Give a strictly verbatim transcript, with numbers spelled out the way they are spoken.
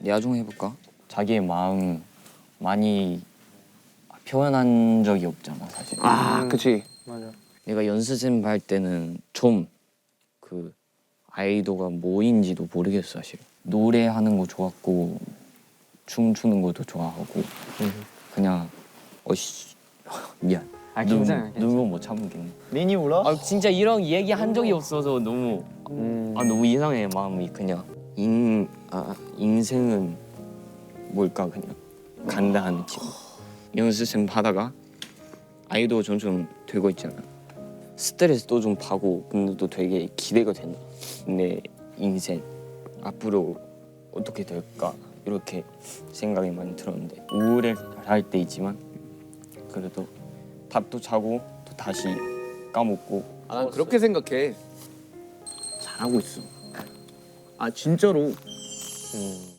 내가 좀 해볼까? 자기의 마음 많이 표현한 적이 없잖아 사실. 아, 그치. 맞아. 내가 연습생 할 때는 좀 그 아이돌가 뭐인지도 모르겠어 사실. 노래하는 거 좋았고 춤추는 것도 좋아하고 그냥 어씨 미안. 아, 눈, 괜찮아, 괜찮아. 눈물 못 참겠네. 민이 울어? 아 진짜 이런 얘기 한 적이 없어서 너무 음. 아 너무 이상해 마음이 그냥 인 아 인생은 뭘까 그냥 간다한 느낌. 연습생 하다가 아이돌 점점 되고 있잖아. 스트레스도 좀 받고 근데 또 되게 기대가 된다. 내 인생 앞으로 어떻게 될까 이렇게 생각이 많이 들었는데 우울할 때 있지만 그래도 밥도 자고 또 다시 까먹고. 아, 난 그렇게 생각해. 잘하고 있어. 아, 진짜로. 음.